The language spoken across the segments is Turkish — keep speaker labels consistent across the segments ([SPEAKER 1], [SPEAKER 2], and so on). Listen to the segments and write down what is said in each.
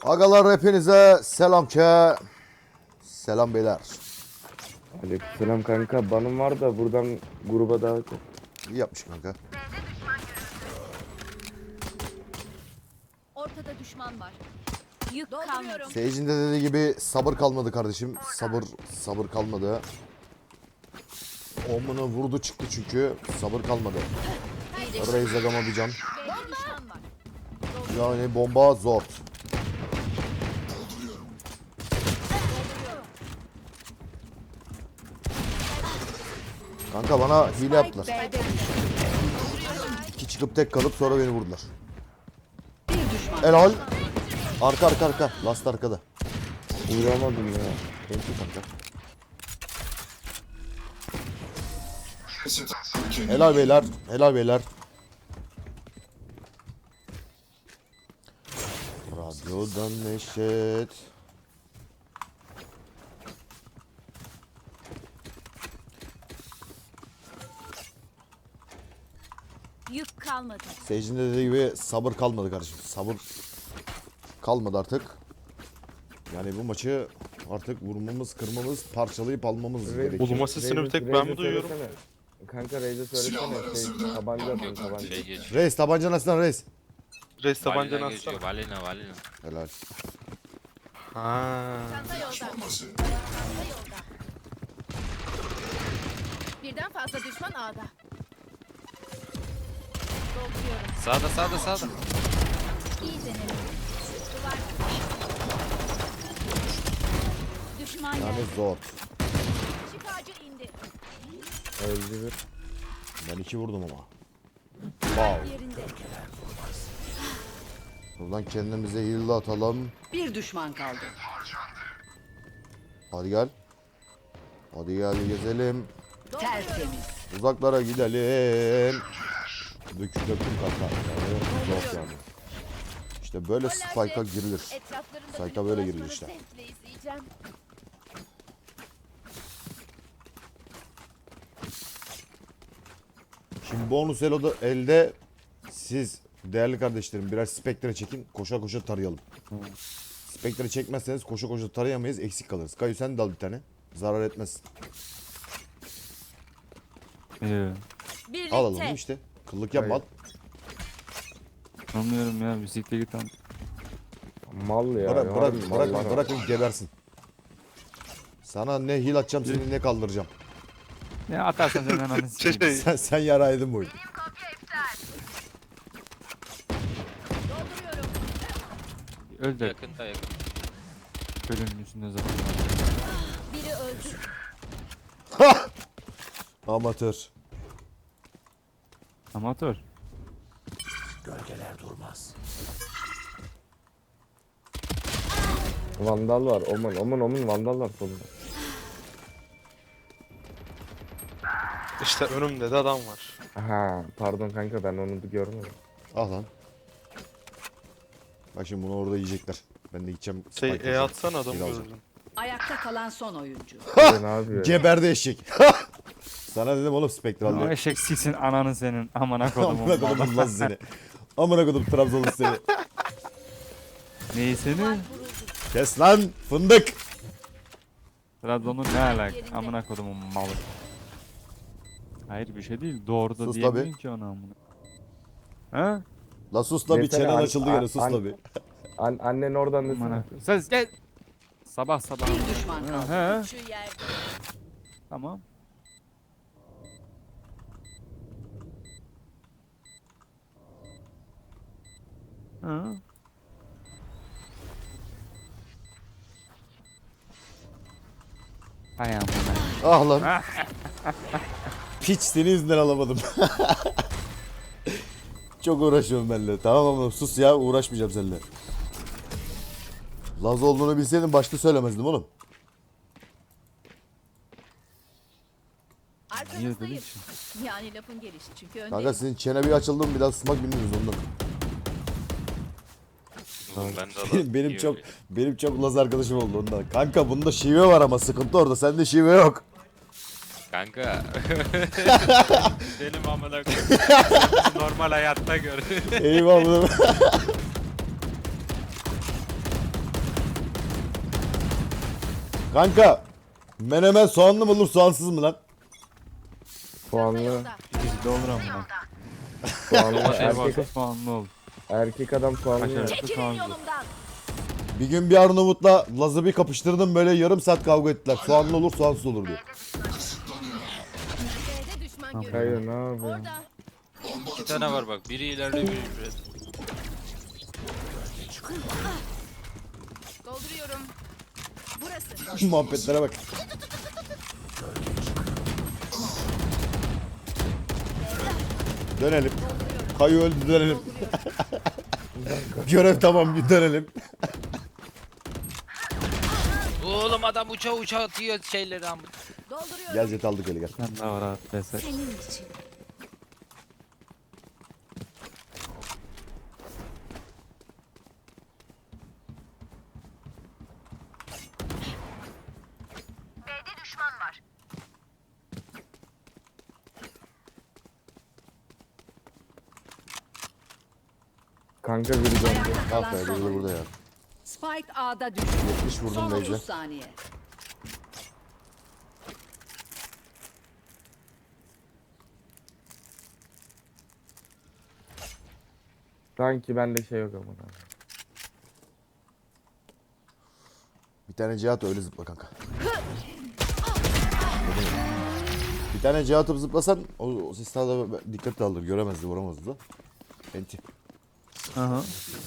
[SPEAKER 1] Agalar hepinize selam ke. Selam beyler.
[SPEAKER 2] Aleykümselam kanka. Banım var da buradan gruba davet et.
[SPEAKER 1] İyi yapmış kanka.
[SPEAKER 3] Ortada düşman var. Yük kalmıyorum.
[SPEAKER 1] Seyircinin de dediği gibi sabır kalmadı kardeşim. Sabır kalmadı. Omunu vurdu çıktı çünkü. Sabır kalmadı. Reis agama bir can.
[SPEAKER 3] Düşman var.
[SPEAKER 1] Yani bomba zor. Kanka bana hile yaptılar. İki çıkıp tek kalıp sonra beni vurdular. Helal. Arka. Last arkada.
[SPEAKER 2] Uğramadım ya.
[SPEAKER 1] Thank you kanka. Helal beyler. Helal beyler. Radyodan Neşet.
[SPEAKER 3] Yük kalmadı.
[SPEAKER 1] Seyircinin de dediği gibi sabır kalmadı kardeşim. Sabır kalmadı artık. Yani bu maçı artık vurmamız, kırmamız, parçalayıp almamız gerekiyor.
[SPEAKER 4] Bulunma sesini bir tek ben mi duyuyorum?
[SPEAKER 2] Kanka Reis'e söylesene. Tabanca atın tabanca.
[SPEAKER 5] Şey geçiyor.
[SPEAKER 1] Reis tabancanı açsana Reis.
[SPEAKER 4] Reis tabancanı
[SPEAKER 5] Valina
[SPEAKER 4] atsana.
[SPEAKER 5] geçiyor. Valina.
[SPEAKER 1] Helal.
[SPEAKER 4] Ha.
[SPEAKER 3] Çanta yolda. Birden fazla düşman A'da. Dolduruyorum.
[SPEAKER 5] Sağda.
[SPEAKER 3] İyi denedim. Duvar. Düşman
[SPEAKER 1] Yani
[SPEAKER 3] geldi.
[SPEAKER 1] zor.
[SPEAKER 3] Şifacı indi.
[SPEAKER 2] Öldü bir.
[SPEAKER 1] Ben 2 vurdum ama. Wow.
[SPEAKER 3] Yerinde.
[SPEAKER 1] Buradan kendimize heal atalım.
[SPEAKER 6] Bir düşman kaldı.
[SPEAKER 1] Hadi gel. Hadi gel gezelim.
[SPEAKER 6] Tertemiz.
[SPEAKER 1] Uzaklara gidelim. Döktüm kanka. Yani zor yani. İşte böyle spike'a girilir.
[SPEAKER 3] Etraflarında
[SPEAKER 1] Sayka böyle giriyor işte.
[SPEAKER 3] zevkle izleyeceğim.
[SPEAKER 1] Şimdi bonus elde siz değerli kardeşlerim birer spektre çekin. Koşa koşa tarayalım. Spektre çekmezseniz koşa koşa tarayamayız. Eksik kalırız. Kayu sen de al bir tane. Zarar etmez.
[SPEAKER 3] Birlikte.
[SPEAKER 1] Al alalım işte. Kıllık yapma al.
[SPEAKER 7] Anlıyorum ya, bisikle git an.
[SPEAKER 2] Mal ya.
[SPEAKER 1] Bırakın gebersin. Sana ne heal atacağım seni ne kaldıracağım.
[SPEAKER 7] Ne atarsan sen ananı sikeyim.
[SPEAKER 1] Sen yaraydın bu oyunu.
[SPEAKER 3] Dolduruyorum.
[SPEAKER 7] Öl de
[SPEAKER 5] Yakında.
[SPEAKER 7] ölümün üstünde zaten.
[SPEAKER 3] Biri öldü.
[SPEAKER 1] Amatör.
[SPEAKER 7] Amatör.
[SPEAKER 2] Vandal var. Oman vandal var solunda.
[SPEAKER 4] İşte önümde de adam var.
[SPEAKER 2] Aha pardon kanka ben onu da görmedim.
[SPEAKER 1] Al lan. Bak şimdi bunu orada yiyecekler. Ben de gideceğim.
[SPEAKER 4] Şey
[SPEAKER 1] spike
[SPEAKER 4] E
[SPEAKER 1] alacağım.
[SPEAKER 4] atsana adamı
[SPEAKER 1] Heal alacağım.
[SPEAKER 4] gördüm.
[SPEAKER 6] Ayakta kalan son oyuncu.
[SPEAKER 2] Ne yapıyor?
[SPEAKER 1] Geberdi eşek. Sana dedim oğlum spektral
[SPEAKER 7] O
[SPEAKER 1] diye.
[SPEAKER 7] eşek siksin ananı senin. Amına kodumun.
[SPEAKER 1] Amına kodum lan seni. Amına kodum Trabzonlu seni.
[SPEAKER 7] Neyi seni?
[SPEAKER 1] Kes lan fındık.
[SPEAKER 7] Trabzon'un ne alak? Amına kodumun malı. Hayır bir şey değil. Doğru da
[SPEAKER 1] Sus
[SPEAKER 7] diyemiyorsun
[SPEAKER 1] tabi.
[SPEAKER 7] ki ona amına. Ha?
[SPEAKER 1] La sus la bir
[SPEAKER 2] Desene,
[SPEAKER 1] çenen açıldı gene sus
[SPEAKER 2] an-
[SPEAKER 1] la bir.
[SPEAKER 2] Annen oradan desene.
[SPEAKER 7] Amına. Ses gel. Sabah.
[SPEAKER 6] Bir düşman kaldı.
[SPEAKER 7] Ha?
[SPEAKER 3] Şu yerde.
[SPEAKER 7] Tamam. Ha? Hay amına.
[SPEAKER 1] Ah lan. Piç senin yüzünden alamadım. Çok uğraşıyorum benimle. Tamam ama sus ya uğraşmayacağım seninle. Laz olduğunu bilseydim başta söylemezdim oğlum.
[SPEAKER 7] Niye
[SPEAKER 3] Arkanızdayım.
[SPEAKER 7] dedin ki?
[SPEAKER 3] Yani lafın gelişi çünkü önde.
[SPEAKER 1] Kanka senin çene bir açıldı mı bir daha susmak bilmiyoruz ondan.
[SPEAKER 5] Oğlum ben de
[SPEAKER 1] Benim çok Laz arkadaşım oldu ondan. Kanka bunda şive var ama sıkıntı orada. Sende şive yok.
[SPEAKER 5] Kanka. Benim amına koyayım. Normal hayatta gör.
[SPEAKER 1] Eyvallah. Kanka menemen soğanlı mı olur soğansız mı lan?
[SPEAKER 2] Soğanlı,
[SPEAKER 7] Bizde olur amına.
[SPEAKER 2] soğanlı
[SPEAKER 7] Şey varsa
[SPEAKER 2] erkek,
[SPEAKER 7] soğanlı ol.
[SPEAKER 2] erkek adam soğanlı.
[SPEAKER 7] Kaşar.
[SPEAKER 2] yer.
[SPEAKER 3] Çekilin
[SPEAKER 7] Soğanlı.
[SPEAKER 3] yolumdan.
[SPEAKER 1] Bir gün bir Arnavut'la Laz'ı bir kapıştırdım böyle yarım saat kavga ettiler. Soğanlı olur soğansız olur diyor.
[SPEAKER 3] B'de düşman
[SPEAKER 7] Tamam.
[SPEAKER 3] görüyorum.
[SPEAKER 2] Hayır ne yapıyorsun?
[SPEAKER 3] Orada.
[SPEAKER 5] 2 tane var bak. Biri ileride biri ileride.
[SPEAKER 3] Dolduruyorum. Burası.
[SPEAKER 1] Muhabbetlere bak. Dönelim. Kayu öldü dönelim. Görev tamam bir dönelim.
[SPEAKER 5] Oğlum adam uça atıyor şeyleri ama.
[SPEAKER 3] Dolduruyorum.
[SPEAKER 1] Gel jet aldık eli gel.
[SPEAKER 7] Sen de var abi. Beser.
[SPEAKER 3] Senin için.
[SPEAKER 2] Kanka biri döndü.
[SPEAKER 6] Ayakta
[SPEAKER 1] Ah
[SPEAKER 6] kalan
[SPEAKER 1] be
[SPEAKER 6] son
[SPEAKER 1] biri de
[SPEAKER 6] oyuncu.
[SPEAKER 1] burada ya.
[SPEAKER 6] Spike A'da düştü.
[SPEAKER 1] 70 vurdum
[SPEAKER 6] Son
[SPEAKER 1] Beyce.
[SPEAKER 6] 30 saniye.
[SPEAKER 2] Sanki bende şey yok ama.
[SPEAKER 1] Bir tane Cihat öyle zıpla kanka. Bir tane Cihat atıp zıplasan o ses daha da dikkat alır. Göremezdi vuramazdı da. Enti.
[SPEAKER 7] Aha.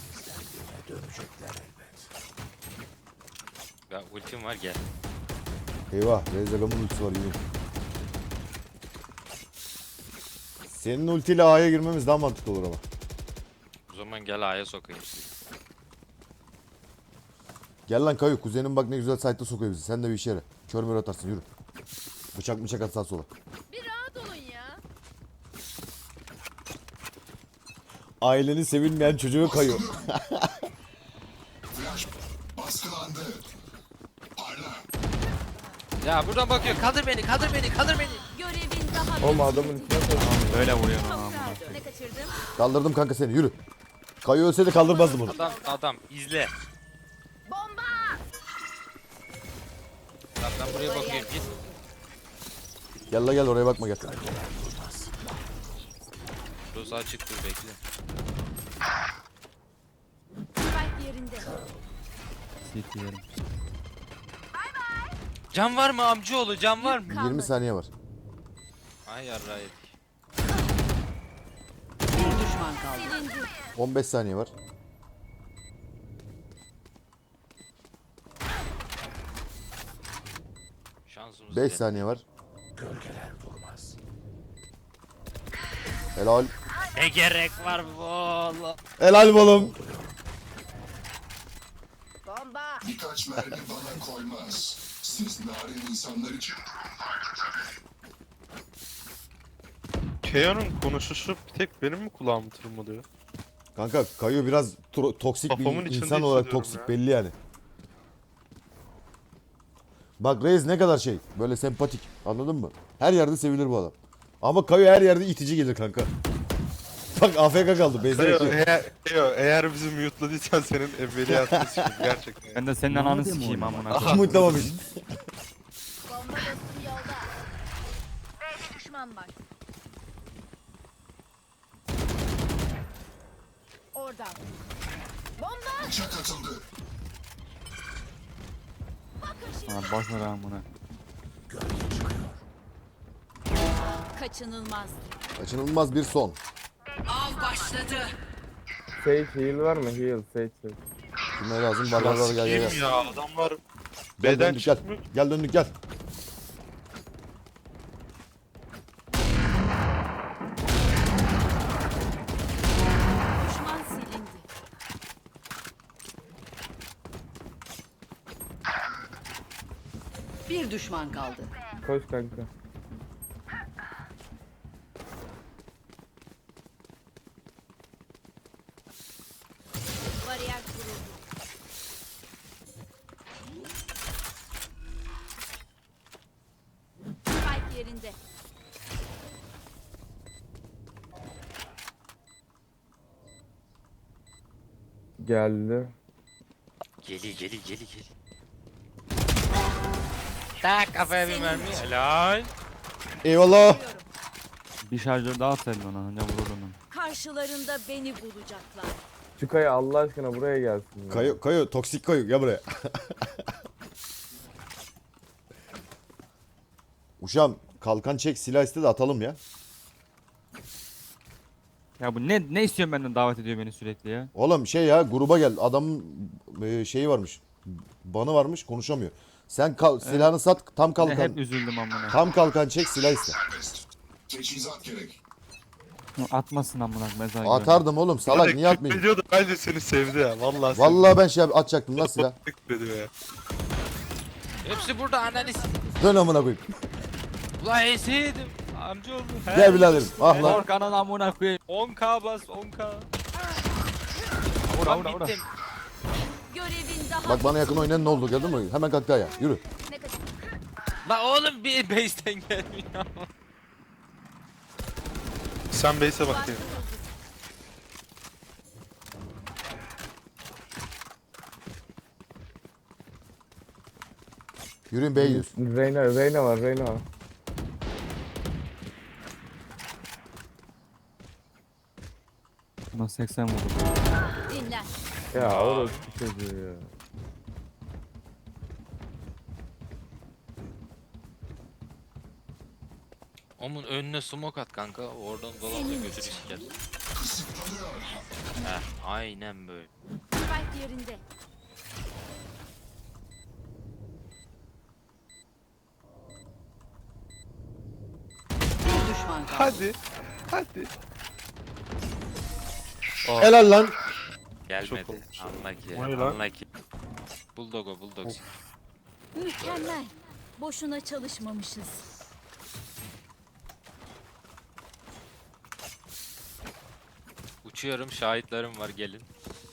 [SPEAKER 5] Ya ultim var gel.
[SPEAKER 1] Eyvah Rezagam'ın ultisi var yürü. Senin ultiyle A'ya girmemiz daha mantıklı olur ama.
[SPEAKER 5] O zaman gel A'ya sokayım.
[SPEAKER 1] Gel lan Kayu kuzenin bak ne güzel site'da sokuyor bizi. Sen de bir işe yara. Kör mür atarsın yürü. Bıçak atsan sola.
[SPEAKER 3] Bir rahat olun ya.
[SPEAKER 1] Ailenin sevilmeyen çocuğu Kayu.
[SPEAKER 5] Ya buradan bakıyor. Kaldır beni.
[SPEAKER 3] Görevin daha
[SPEAKER 2] Oğlum adamın üstüne koydum.
[SPEAKER 7] Böyle vuruyor lan amına.
[SPEAKER 3] Ne kaçırdım?
[SPEAKER 1] Kaldırdım kanka seni yürü. Kayu ölseydi kaldırmazdım bunu.
[SPEAKER 5] Adam izle.
[SPEAKER 3] Bomba!
[SPEAKER 5] Lan ben buraya bakıyorum git.
[SPEAKER 1] Gel la gel oraya bakma gel.
[SPEAKER 5] Burası açıktır bekle.
[SPEAKER 3] Spike yerinde.
[SPEAKER 7] CT yerim.
[SPEAKER 5] Can var mı amcaoğlu? Can var mı?
[SPEAKER 1] 20 saniye var.
[SPEAKER 5] Ay yarrağı yedik.
[SPEAKER 6] Bir düşman kaldı.
[SPEAKER 3] Silindi.
[SPEAKER 1] 15 saniye var.
[SPEAKER 5] Şansımız
[SPEAKER 1] 5
[SPEAKER 5] yok.
[SPEAKER 1] saniye var. Helal.
[SPEAKER 5] Ne gerek var bu oğlum?
[SPEAKER 1] Helal oğlum.
[SPEAKER 3] Bomba!
[SPEAKER 8] Birkaç mermi bana koymaz. Siz narin insanlar için
[SPEAKER 4] Keo'nun konuşuşu bir tek benim mi kulağımı tırmalıyor?
[SPEAKER 1] Kanka Kayu biraz toksik
[SPEAKER 4] Kafamın
[SPEAKER 1] bir
[SPEAKER 4] içinde
[SPEAKER 1] insan olarak
[SPEAKER 4] hissediyorum
[SPEAKER 1] toksik
[SPEAKER 4] ya.
[SPEAKER 1] belli yani. Bak Reis ne kadar şey böyle sempatik anladın mı? Her yerde sevilir bu adam. Ama Kayu her yerde itici gelir kanka. Bak AFK kaldı. Beyza
[SPEAKER 4] Eğer bizi mute'ladıysan senin ebeliyatını sikeyim gerçekten.
[SPEAKER 7] Ben de senin ananı sikeyim amına.
[SPEAKER 1] Kim mutlamamış.
[SPEAKER 3] Bomba dostum yolda. B'de düşman var. Oradan. Bomba!
[SPEAKER 8] bıçak atıldı.
[SPEAKER 7] Ha boş ver amına.
[SPEAKER 3] Kaçınılmaz.
[SPEAKER 1] Kaçınılmaz bir son.
[SPEAKER 6] Av başladı.
[SPEAKER 2] Sage heal var mı? Heal Sage.
[SPEAKER 1] Kime lazım? Var gel gel.
[SPEAKER 4] Sikeyim ya adamlar
[SPEAKER 1] Gel
[SPEAKER 4] beden
[SPEAKER 1] döndük gel.
[SPEAKER 4] çıkmıyor.
[SPEAKER 1] Gel döndük gel.
[SPEAKER 3] Düşman silindi.
[SPEAKER 6] Bir düşman kaldı.
[SPEAKER 2] Koş kanka.
[SPEAKER 3] Bariyer kuruldu. Spike yerinde.
[SPEAKER 2] Geldi.
[SPEAKER 5] Geli. Tak kafaya bir mermi. Helal.
[SPEAKER 1] Eyvallah.
[SPEAKER 7] Bir şarjör daha atsaydın ona. Anca vururdun onu.
[SPEAKER 3] Karşılarında beni bulacaklar.
[SPEAKER 2] Şu Kaya Allah aşkına buraya gelsin. ya.
[SPEAKER 1] Kayu toksik kayu gel buraya. Uşağım kalkan çek silah iste de atalım ya.
[SPEAKER 7] Ya bu ne istiyorsun benden, davet ediyor beni sürekli ya.
[SPEAKER 1] Oğlum şey ya gruba gel adamın şeyi varmış. Banı varmış konuşamıyor. Sen silahını sat tam
[SPEAKER 7] Ne,
[SPEAKER 1] kalkan.
[SPEAKER 7] hep üzüldüm amına.
[SPEAKER 1] Tam kalkan çek silah iste.
[SPEAKER 8] Serbest. Teçhizat gerek.
[SPEAKER 7] Atmasın amına mezar gibi.
[SPEAKER 1] Atardım oğlum salak niye atmayayım?
[SPEAKER 4] Ediyordu bence seni sevdi ya. Vallahi sevdi.
[SPEAKER 1] Vallahi ben şey atacaktım lan silah.
[SPEAKER 4] Dedi ya.
[SPEAKER 5] Hepsi burada ananı s-
[SPEAKER 1] Dön amına koyayım.
[SPEAKER 5] Ulan eseydim. Amcaoğlu.
[SPEAKER 1] Gel biraderim. Ah lan.
[SPEAKER 7] Korkanın amına koyayım.
[SPEAKER 5] 10k bas 10k.
[SPEAKER 7] Vura
[SPEAKER 5] Ulan
[SPEAKER 7] vura vura.
[SPEAKER 5] bittim.
[SPEAKER 3] Görevin daha
[SPEAKER 1] Bak bana yakın oynayan ne oldu gördün mü? Hemen kalk ya. Yürü.
[SPEAKER 3] ne kadar
[SPEAKER 5] La oğlum bir base'ten gelmiyor.
[SPEAKER 4] Sen base'e bakayım.
[SPEAKER 1] Yürüyün B100.
[SPEAKER 2] Reyna var Reyna var.
[SPEAKER 7] Buna 80 vurdu.
[SPEAKER 3] dinler.
[SPEAKER 2] Ya orası bir çocuğu ya.
[SPEAKER 5] Onun önüne smoke at kanka. Oradan dolansa götürü siker. Heh, aynen böyle.
[SPEAKER 3] Spike yerinde.
[SPEAKER 6] Bir düşman kaldı.
[SPEAKER 4] Hadi. Hadi.
[SPEAKER 1] Helal lan.
[SPEAKER 5] Gelmedi.
[SPEAKER 4] olmuş.
[SPEAKER 5] Unlucky.
[SPEAKER 4] O ne lan?
[SPEAKER 5] Unlucky. Bulldog o bulldog.
[SPEAKER 3] Mükemmel. Boşuna çalışmamışız.
[SPEAKER 5] Uçuyorum şahitlerim var gelin.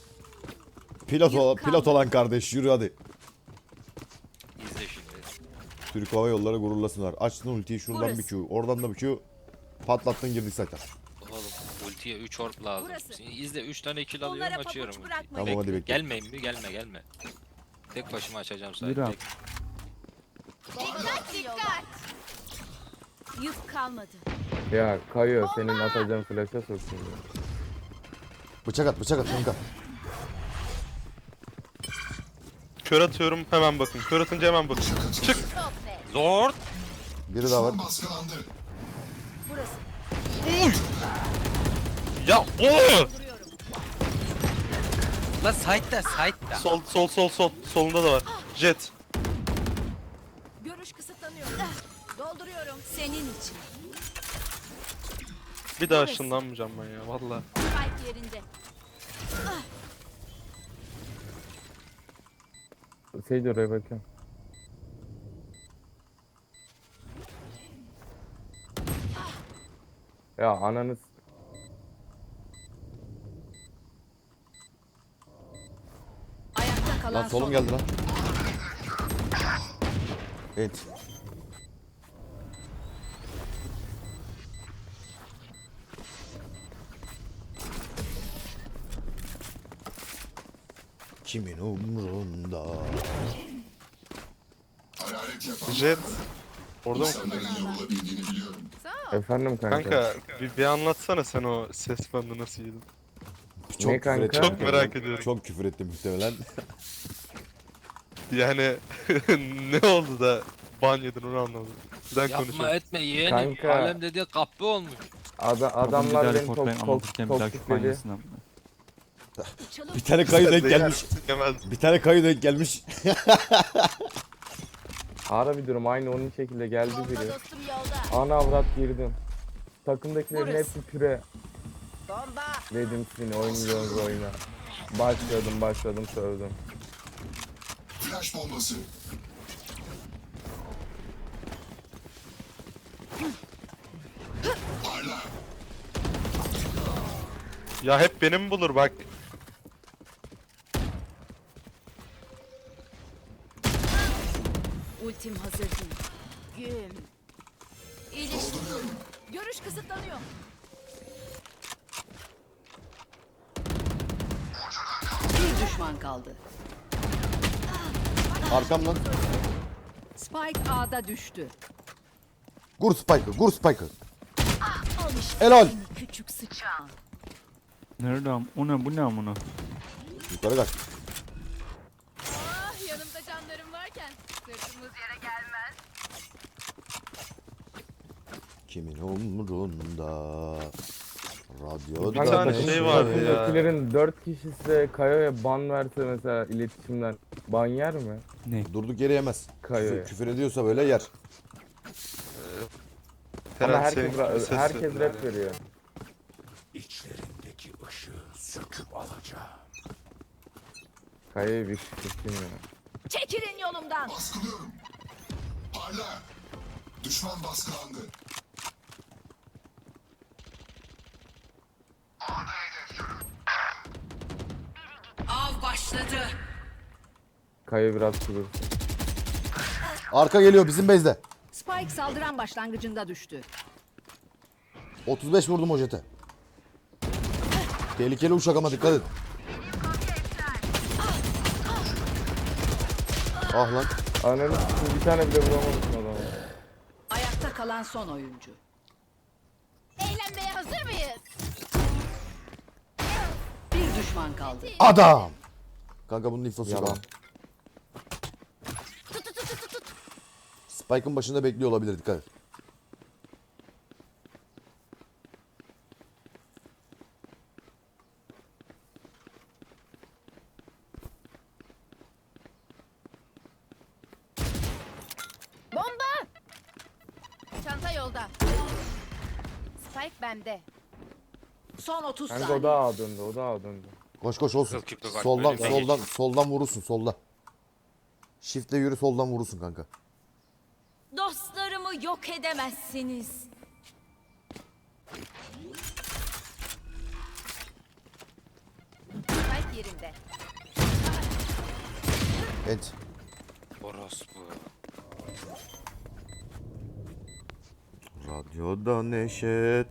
[SPEAKER 1] Pilot olan kardeş yürü hadi.
[SPEAKER 5] İzle şimdi.
[SPEAKER 1] Türk Hava Yolları gururlasınlar. Açtın ultiyi şuradan bir Q. Oradan da bir Q. Patlattın girdik zaten.
[SPEAKER 5] Oğlum ultiye 3 orb lazım.
[SPEAKER 3] Burası.
[SPEAKER 5] Şimdi izle 3 tane kill
[SPEAKER 3] Onlara
[SPEAKER 5] alıyorum
[SPEAKER 3] pabuç
[SPEAKER 5] açıyorum. ultiyi.
[SPEAKER 3] bırakmayın.
[SPEAKER 1] Tamam hadi bekle.
[SPEAKER 5] Gelmeyin mi? Gelme. Tek başıma açacağım
[SPEAKER 7] Yürü
[SPEAKER 5] sadece.
[SPEAKER 7] abi.
[SPEAKER 3] Dikkat dikkat. Yük kalmadı.
[SPEAKER 2] Ya Kaya senin atacağın flash'a soksun ya.
[SPEAKER 1] Bıçak at kanka.
[SPEAKER 4] Kör atıyorum hemen bakın. Kör atınca hemen bakın. Çık.
[SPEAKER 3] Çok be.
[SPEAKER 5] Zor.
[SPEAKER 1] Biri daha var.
[SPEAKER 8] Baskılandı.
[SPEAKER 3] Burası.
[SPEAKER 4] Ya o!
[SPEAKER 5] La side'da.
[SPEAKER 4] Sol. Solunda da var. Jet.
[SPEAKER 3] Görüş kısıtlanıyor. Dolduruyorum. Senin için.
[SPEAKER 4] Bir daha ışınlanmayacağım ben ya valla.
[SPEAKER 3] Spike yerinde.
[SPEAKER 2] Seydi oraya bakayım. Ya ananız.
[SPEAKER 6] Ayakta kalan
[SPEAKER 1] Lan solum
[SPEAKER 6] son.
[SPEAKER 1] geldi lan. Evet. Kimin umrunda?
[SPEAKER 8] Hararet yapan
[SPEAKER 4] Jet. Orada mı?
[SPEAKER 8] insanların yorulabildiğini biliyorum.
[SPEAKER 2] Efendim kanka.
[SPEAKER 4] Kanka bir anlatsana sen o ses bandını nasıl yedin.
[SPEAKER 1] Çok
[SPEAKER 2] Ne
[SPEAKER 1] küfür
[SPEAKER 2] kanka?
[SPEAKER 1] ettim.
[SPEAKER 4] Çok merak ediyorum.
[SPEAKER 1] Çok küfür ettim muhtemelen.
[SPEAKER 4] Yani ne oldu da ban yedin onu anlamadım. Neden
[SPEAKER 5] Yapma
[SPEAKER 4] konuşuyorsun?
[SPEAKER 5] etme yeğenim.
[SPEAKER 2] Kanka.
[SPEAKER 5] Alem dediği kapı olmuş.
[SPEAKER 2] Adamlar beni
[SPEAKER 7] Anlatırken bir daha küfür
[SPEAKER 2] toksikledi.
[SPEAKER 7] yesin amına.
[SPEAKER 3] Çalım.
[SPEAKER 1] Bir tane kayı denk gelmiş.
[SPEAKER 4] Yemez.
[SPEAKER 1] Bir tane kayı denk gelmiş.
[SPEAKER 2] Ara bir durum aynı onun şekilde geldi
[SPEAKER 3] Bomba
[SPEAKER 2] biri.
[SPEAKER 3] dostum yolda.
[SPEAKER 2] Ana avrat girdim. Takımdakilerin
[SPEAKER 3] Burası.
[SPEAKER 2] hepsi püre.
[SPEAKER 3] Bomba.
[SPEAKER 2] Dedim seni oynuyoruz oyna. Başladım sövdüm.
[SPEAKER 8] Flash bombası. Parla.
[SPEAKER 4] Ya hep benim bulur bak.
[SPEAKER 3] Ultim hazır değil. Güm. İyileşti. Görüş kısıtlanıyor.
[SPEAKER 6] Bir düşman kaldı.
[SPEAKER 1] Arkamdan.
[SPEAKER 6] Spike A'da düştü.
[SPEAKER 1] Gur Spike'ı, gur Spike'ı.
[SPEAKER 3] Al işte
[SPEAKER 1] Helal.
[SPEAKER 3] seni küçük sıçan.
[SPEAKER 7] Nerede o ne bu ne amına?
[SPEAKER 1] Yukarı kaç.
[SPEAKER 3] Ah yanımda canlarım varken sırtımız yere gelmez.
[SPEAKER 1] Kimin umrunda? Radyoda
[SPEAKER 4] Bir tane
[SPEAKER 2] takım-
[SPEAKER 4] şey vardı ya.
[SPEAKER 2] takımdakilerin 4 kişisi Kayo'ya ban verse mesela iletişimden ban yer mi?
[SPEAKER 1] Durduk yere yemez.
[SPEAKER 2] Kayo'ya.
[SPEAKER 1] Küfür ediyorsa böyle yer.
[SPEAKER 2] Ama
[SPEAKER 4] Ferhat,
[SPEAKER 2] herkes,
[SPEAKER 4] senin ses
[SPEAKER 2] herkes
[SPEAKER 4] sesi.
[SPEAKER 2] rap veriyor.
[SPEAKER 8] İçlerindeki ışığı söküp alacağım.
[SPEAKER 2] Kayo'ya bir şişkin ya.
[SPEAKER 3] Çekilin yolumdan.
[SPEAKER 8] Baskılıyorum. Parla. Düşman baskılandı.
[SPEAKER 6] Av başladı.
[SPEAKER 2] Kayo biraz kudursun.
[SPEAKER 1] Arka geliyor bizim base'de.
[SPEAKER 6] Spike saldıran başlangıcında düştü.
[SPEAKER 1] 35 vurdum o jete. Tehlikeli uçak ama dikkat et. Ah lan.
[SPEAKER 2] Ananı s**eyim, bir tane bile vuramamışsın adamı.
[SPEAKER 6] Ayakta kalan son oyuncu.
[SPEAKER 3] Eğlenmeye hazır mıyız?
[SPEAKER 6] Bir düşman kaldı.
[SPEAKER 1] Adam. Kanka bunun infosu yok.
[SPEAKER 2] Yalan.
[SPEAKER 1] Spike'ın başında bekliyor olabilir, dikkat et.
[SPEAKER 3] Bomba! Çanta yolda. Spike bende.
[SPEAKER 6] Son 30
[SPEAKER 2] Kanka
[SPEAKER 6] saniye.
[SPEAKER 2] o da A döndü, o da A döndü.
[SPEAKER 1] Koş koş olsun.
[SPEAKER 5] Yok, yok, yok,
[SPEAKER 1] Soldan
[SPEAKER 5] böyle
[SPEAKER 1] soldan soldan vurursun solda. Shift'le yürü, soldan vurursun kanka.
[SPEAKER 3] Dostlarımı yok edemezsiniz. Spike yerinde.
[SPEAKER 1] Evet.
[SPEAKER 5] Orospu.
[SPEAKER 1] Radyoda Neşet.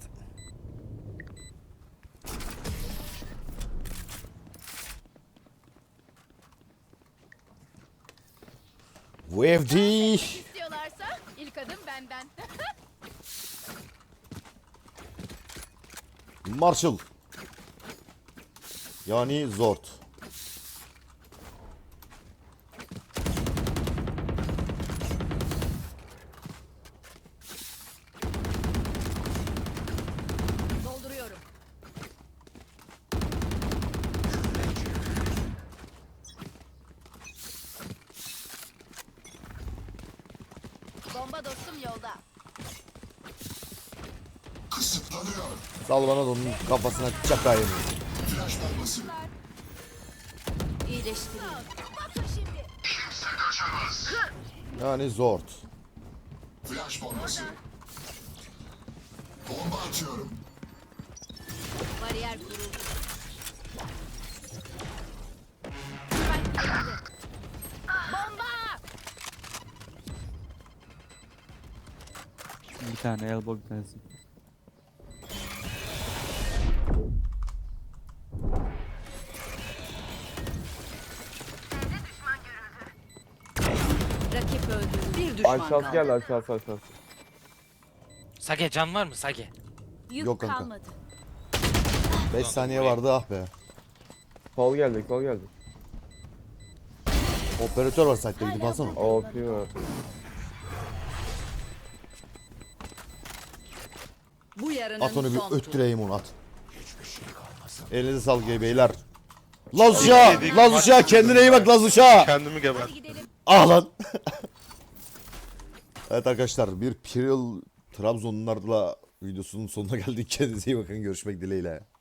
[SPEAKER 1] Vevdi.
[SPEAKER 3] İstiyorlarsa ilk adım benden.
[SPEAKER 1] Marshall. Yani Zord.
[SPEAKER 3] Dolduruyorum. Bomba dostum yolda.
[SPEAKER 8] Kısıtlanıyor.
[SPEAKER 1] Sal bana da onun kafasına çakayım.
[SPEAKER 8] Flash bombası.
[SPEAKER 3] İyileştireyim. Bakın şimdi.
[SPEAKER 8] Kimse kaçamaz.
[SPEAKER 1] Yani Zord.
[SPEAKER 8] Flash bombası. Bomba atıyorum.
[SPEAKER 3] Bariyer kuruldu. Spike yerinde. Bomba!
[SPEAKER 7] Bir tane elbow bir tanesi.
[SPEAKER 6] Rakip öldü. Bir düşman
[SPEAKER 2] Aşağısı
[SPEAKER 6] kaldı.
[SPEAKER 2] geldi, aşağısı.
[SPEAKER 5] Sage can var mı Sage?
[SPEAKER 3] Yük
[SPEAKER 1] Yok kanka.
[SPEAKER 3] kalmadı.
[SPEAKER 1] 5 saniye vardı, ah be.
[SPEAKER 2] Sol geldi, sol geldi.
[SPEAKER 1] Operatör var site'de, gidip alsana.
[SPEAKER 2] OP var.
[SPEAKER 6] Bu yarının
[SPEAKER 1] At onu bir
[SPEAKER 6] son turu.
[SPEAKER 1] öttüreyim onu, at. Elinize sağlık beyler. Laz uşağı! Laz uşağı, kendine iyi bak Laz uşağı!
[SPEAKER 4] Kendimi geber.
[SPEAKER 3] Gidelim.
[SPEAKER 1] Ah lan! Evet arkadaşlar, bir Piril Trabzonlularla videosunun sonuna geldik. Kendinize iyi bakın, görüşmek dileğiyle.